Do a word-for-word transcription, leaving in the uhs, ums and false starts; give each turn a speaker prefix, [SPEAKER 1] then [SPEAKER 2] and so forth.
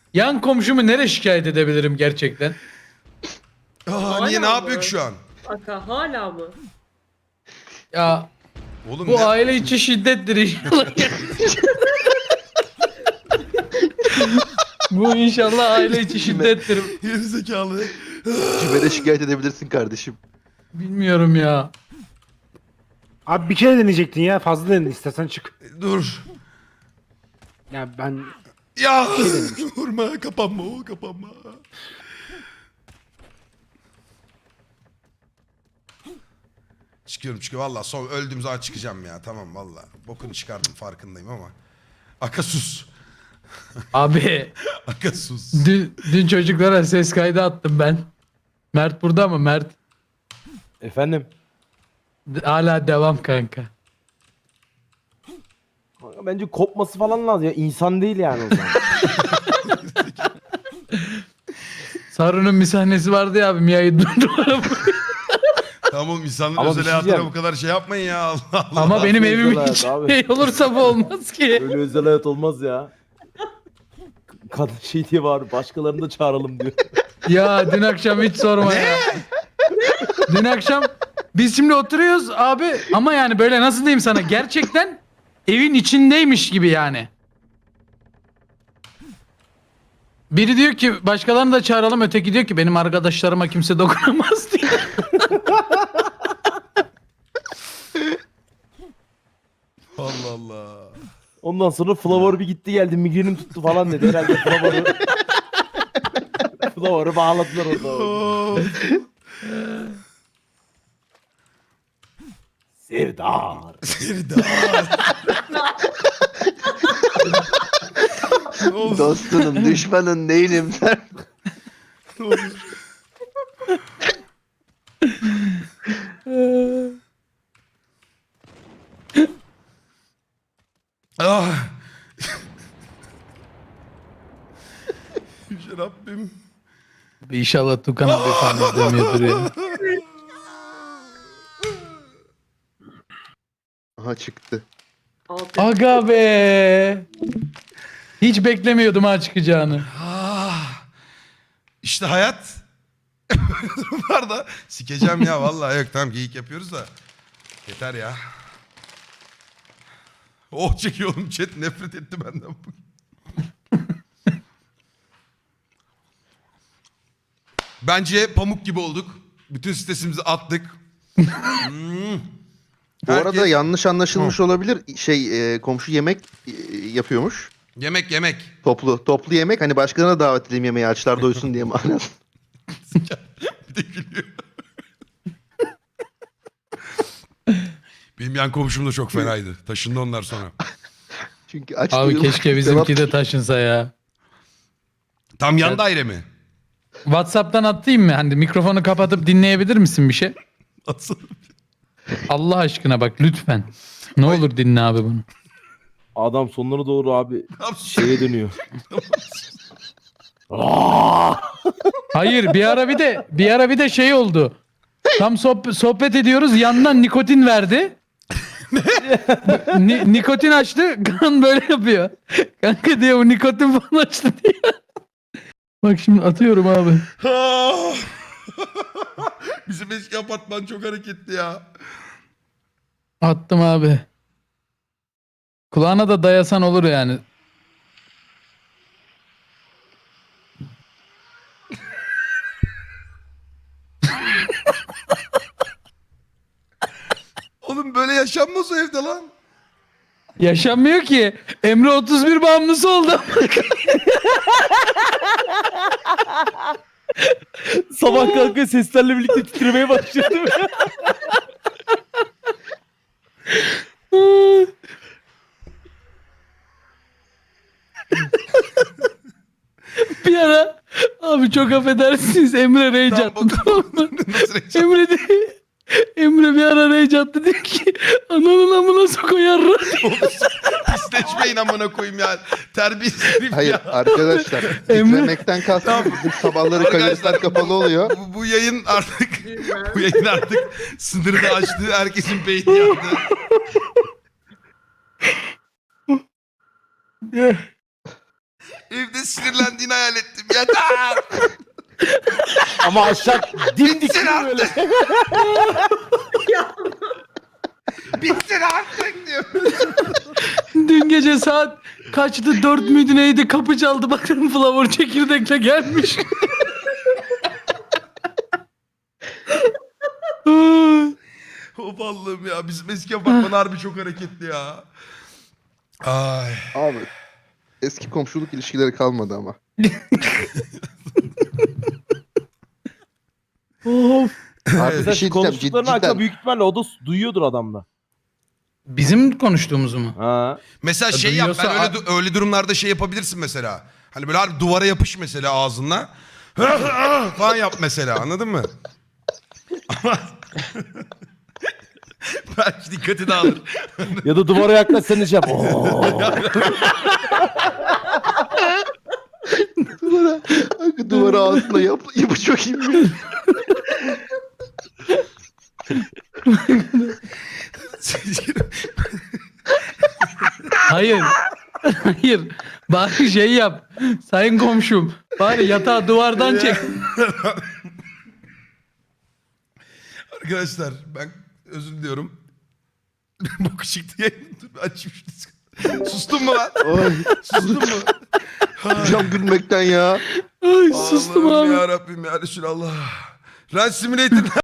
[SPEAKER 1] Yan komşumu nereye şikayet edebilirim gerçekten?
[SPEAKER 2] Aa, niye ne
[SPEAKER 3] Hala
[SPEAKER 2] yapıyor
[SPEAKER 3] mı?
[SPEAKER 2] ki şu an?
[SPEAKER 3] Aka hala mı?
[SPEAKER 1] Ya
[SPEAKER 2] Oğlum
[SPEAKER 1] bu
[SPEAKER 2] ne?
[SPEAKER 1] aile içi şiddettir inşallah. Bu inşallah aile içi şiddettir.
[SPEAKER 2] Gerizekalı.
[SPEAKER 4] Kime de şikayet edebilirsin kardeşim.
[SPEAKER 1] Bilmiyorum ya.
[SPEAKER 5] Abi bir kere deneyecektin ya. Fazla denedin, istersen çık.
[SPEAKER 2] Dur.
[SPEAKER 5] Ya ben
[SPEAKER 2] Ya vurma, kapanma o, kapanma. Çıkıyorum çıkıyorum. Valla son öldüğüm zaman çıkacağım ya. Tamam valla. Bokunu çıkardım farkındayım ama. Aka sus.
[SPEAKER 1] Abi
[SPEAKER 2] Aka sus.
[SPEAKER 1] dün, dün çocuklara ses kaydı attım ben. Mert burada mı Mert?
[SPEAKER 6] Efendim?
[SPEAKER 1] Hala devam kanka.
[SPEAKER 6] Kanka bence kopması falan lazım ya. İnsan değil yani o zaman.
[SPEAKER 1] Saru'nun bir sahnesi vardı ya abi Mia'yı durdurma.
[SPEAKER 2] Tamam oğlum insanların
[SPEAKER 6] Ama bir
[SPEAKER 2] özel
[SPEAKER 6] şey
[SPEAKER 2] hayatına
[SPEAKER 6] diyeceğim.
[SPEAKER 2] bu kadar şey yapmayın ya. Allah Allah.
[SPEAKER 1] Ama benim
[SPEAKER 6] Özel
[SPEAKER 1] evim
[SPEAKER 6] hayat
[SPEAKER 1] hiç
[SPEAKER 6] abi.
[SPEAKER 1] şey olursa bu olmaz ki.
[SPEAKER 6] Öyle özel hayat olmaz ya. Kadın şey diye var, başkalarını da çağıralım diyor.
[SPEAKER 1] Ya dün akşam hiç sorma ya. Dün akşam biz şimdi oturuyoruz abi ama yani böyle nasıl diyeyim sana gerçekten evin içindeymiş gibi yani. Biri diyor ki başkalarını da çağıralım, öteki diyor ki benim arkadaşlarıma kimse dokunamaz diye.
[SPEAKER 2] Allah Allah.
[SPEAKER 6] Ondan sonra Flavor bir gitti geldi, migrenim tuttu falan dedi. Herhalde Flavor'u... Flavor'u bağladılar orada.
[SPEAKER 2] Of.
[SPEAKER 6] Serdar.
[SPEAKER 2] Serdar. Ne olur,
[SPEAKER 4] Dostunum, düşmanın değilim.
[SPEAKER 2] ne olur. Ah. Yüce Rabbim.
[SPEAKER 1] İnşallah Tukan abi falan izlemiyordur ya.
[SPEAKER 4] Aha çıktı.
[SPEAKER 3] Altı.
[SPEAKER 1] Aga be. Hiç beklemiyordum ha çıkacağını.
[SPEAKER 2] Ah. İşte hayat. Durumlar da sikeceğim ya vallahi yok tamam geyik yapıyoruz da. Yeter ya. Oh çekiyorum chat nefret etti benden bugün. Bence pamuk gibi olduk. Bütün stresimizi attık. Hmm.
[SPEAKER 4] Bu arada
[SPEAKER 2] Herkes-
[SPEAKER 4] yanlış anlaşılmış olabilir. Şey e, komşu yemek e, yapıyormuş.
[SPEAKER 2] Yemek yemek.
[SPEAKER 4] Toplu toplu yemek, hani başkalarına davet edeyim yemeği, açlar doysun diye manası.
[SPEAKER 2] Bir de gülüyor. Benim yan komşum da çok fenaydı. Taşındı onlar sonra.
[SPEAKER 4] Çünkü aç
[SPEAKER 1] Abi
[SPEAKER 4] doyum-
[SPEAKER 1] keşke bizimki de taşınsa ya.
[SPEAKER 2] Tam yan daire mi?
[SPEAKER 1] WhatsApp'tan atayım mı? Hani mikrofonu kapatıp dinleyebilir misin bir şey?
[SPEAKER 2] Atsana.
[SPEAKER 1] Allah aşkına bak lütfen. Ne olur dinle abi bunu.
[SPEAKER 6] Adam sonlara doğru abi
[SPEAKER 2] Ne yapsın?
[SPEAKER 6] şeye dönüyor.
[SPEAKER 1] Hayır bir ara bir de bir ara bir de şey oldu. Tam sohbet, sohbet ediyoruz yandan nikotin verdi. Ni- nikotin açtı kan böyle yapıyor. Kanka diye bu nikotin falan açtı diye. Bak şimdi atıyorum abi.
[SPEAKER 2] Ah! Bizim eski apartman çok hareketli ya.
[SPEAKER 1] Attım abi. Kulağına da dayasan olur yani.
[SPEAKER 2] Oğlum böyle yaşanmaz o evde lan.
[SPEAKER 1] Yaşanmıyor ki. Emre otuz bir bağımlısı oldu.
[SPEAKER 6] Sabah kalkıyor seslerle birlikte titremeye başladı.
[SPEAKER 1] Bir ara abi çok affedersiniz Emre rage
[SPEAKER 2] Tamam,
[SPEAKER 1] attı tamam mı?
[SPEAKER 2] Nasıl yaşan-
[SPEAKER 1] Emre de Emre bir ara rage attı dedi ki ananın amına sokoyar.
[SPEAKER 2] Pisleşmeyin amına koyayım ya. Terbiyesiz herif
[SPEAKER 4] Hayır
[SPEAKER 2] ya.
[SPEAKER 4] arkadaşlar, titremekten kastım bizim sabahları kayıtlar kapalı oluyor.
[SPEAKER 2] Bu, bu yayın artık bu yayın artık sınırını aştı. Herkesin beyni yandı. Evde sinirlendiğini hayal ettim. Yeter.
[SPEAKER 6] Ama aşağı dimdik
[SPEAKER 2] Bitsin
[SPEAKER 6] böyle.
[SPEAKER 2] artık. Bitsin artık diyor.
[SPEAKER 1] Dün gece saat kaçtı? Dört müydü neydi? Kapı çaldı. Bakın Flavor çekirdekle gelmiş.
[SPEAKER 2] Of Allah'ım ya. Bizim eski apartman harbi çok hareketli ya. Ay.
[SPEAKER 4] Abi eski komşuluk ilişkileri kalmadı ama.
[SPEAKER 1] Of.
[SPEAKER 4] Abi
[SPEAKER 6] Mesela
[SPEAKER 4] bir şey
[SPEAKER 6] şu
[SPEAKER 4] diyeceğim
[SPEAKER 6] konuştuklarını
[SPEAKER 4] cidden.
[SPEAKER 6] Hakan büyük ihtimalle o da duyuyordur adamda.
[SPEAKER 1] Bizim konuştuğumuzu mu?
[SPEAKER 6] Ha.
[SPEAKER 2] Mesela şey yap. Ben
[SPEAKER 1] Duyuyorsa-
[SPEAKER 2] öyle, du- öyle durumlarda şey yapabilirsin mesela. Hani böyle harbi duvara yapış mesela ağzınla. falan yap mesela, anladın mı? Ama belki dikkati dağılır.
[SPEAKER 6] Ya da duvara yaklaş sen de şey yap. Oo.
[SPEAKER 4] Duvara, duvara ağzına yap, yapı çok iyi mi?
[SPEAKER 1] Hayır. Hayır. Bari şey yap. Sayın komşum. Bari yatağı duvardan çek.
[SPEAKER 2] Arkadaşlar ben özür diliyorum. Boku çıktı yayın. Dur, açayım şunu. Sustun mu lan?
[SPEAKER 4] Ay,
[SPEAKER 2] Sustun mu?
[SPEAKER 4] cam gülmekten ya.
[SPEAKER 1] Ay sustum abi.
[SPEAKER 2] Ya Rabbim ya Resulallah. Run Simulator